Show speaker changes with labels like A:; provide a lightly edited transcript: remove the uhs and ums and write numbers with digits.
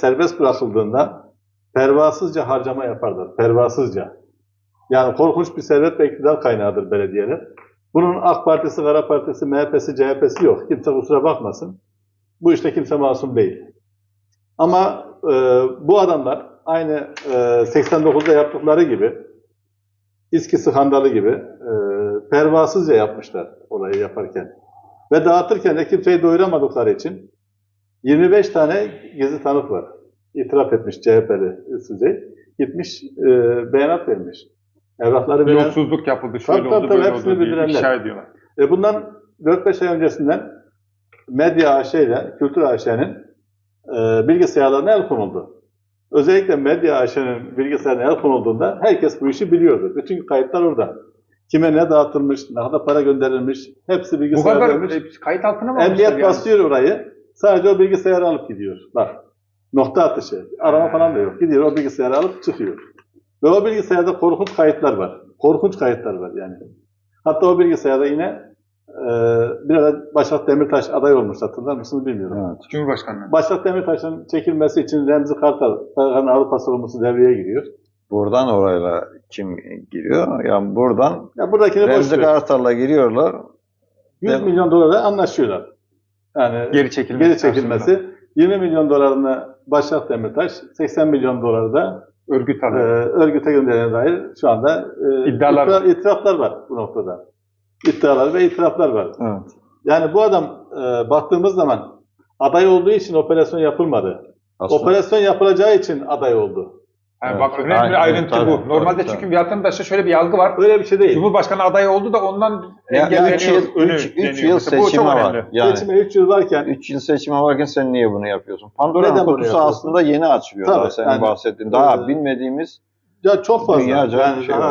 A: serbest bırakıldığında pervasızca harcama yaparlar. Pervasızca. Yani korkunç bir servet ve iktidar kaynağıdır belediyeler. Bunun AK Partisi, Kara Partisi, MHP'si, CHP'si yok. Kimse kusura bakmasın. Bu işte kimse masum değil. Ama bu adamlar aynı 89'da yaptıkları gibi, İSKİ skandalı gibi pervasızca yapmışlar olayı yaparken. Ve dağıtırken de kimseyi doyuramadıkları için 25 tane gizli tanık var. İtiraf etmiş CHP'li Süzey. Gitmiş beyanat vermiş. Evrakları veren...
B: Yolsuzluk yapıldı, şöyle
A: tabii,
B: oldu, böyle
A: hepsini
B: oldu diye
A: bildirenler.
B: ifşa ediyorlar.
A: Bundan 4-5 ay öncesinden Medya AŞ ile Kültür AŞ'nin bilgisayarlarına el konuldu. Özellikle Medya AŞ'nin bilgisayarına el konulduğunda herkes bu işi biliyordu. Bütün kayıtlar orada. Kime ne dağıtılmış, ne kadar para gönderilmiş, hepsi
B: Bu
A: bilgisayara
B: kadar
A: verilmiş.
B: kayıt altına mı almışlar
A: Emniyet
B: yani?
A: basıyor orayı, sadece o bilgisayarı alıp gidiyor. Bak, nokta atışı, arama falan da yok. Gidiyor o bilgisayarı alıp çıkıyor. Ve o bilgisayarda korkunç kayıtlar var. Korkunç kayıtlar var yani. Hatta o bilgisayarda yine bir ara Başak Demirtaş aday olmuş, hatırlar mısınız bilmiyorum.
C: Evet.
B: Cumhurbaşkanlığı.
A: Başak Demirtaş'ın çekilmesi için Remzi Kartal, Avrupa sorumlusu devreye giriyor.
C: Buradan orayla kim giriyor? Yani buradan
A: Ya buradakini boş
C: Remzi
A: ver.
C: Kartal'la giriyorlar.
A: 100 milyon dolara anlaşıyorlar. Yani
B: Geri
A: çekilmesi. 20 milyon dolarını Başak Demirtaş, 80 milyon doları da
B: Örgüt alıyor.
A: örgüte gönderene dair şu anda itiraflar var bu noktada. İddialar ve itiraflar var.
C: Evet.
A: Yani bu adam baktığımız zaman aday olduğu için operasyon yapılmadı.
C: Aslında
A: Operasyon yapılacağı için aday oldu.
B: Yani
C: Evet.
B: bak önemli
C: Aynen,
B: bir ayrıntı
C: tabii,
B: bu. Normalde
C: tabii,
B: çünkü vatandaşta şöyle bir algı var.
A: Öyle bir şey değil.
B: Cumhurbaşkanı adayı oldu da ondan
C: Ya,
B: engelleniyor.
C: 3 yıl
B: Mesela bu çok
C: seçime var.
B: önemli.
C: Yani
A: Seçime 3 yıl varken
C: 3 yıl seçime varken sen niye bunu yapıyorsun? Pandora'nın
A: Neden bunu
C: kutusu
A: yapıyorsun?
C: aslında yeni açılıyor.
A: Tabii,
C: Daha senin
A: yani,
C: bahsettiğin. Daha bilmediğimiz
A: ya çok fazla.
C: dünyaca
A: Yani
C: bir şey
A: daha
C: var.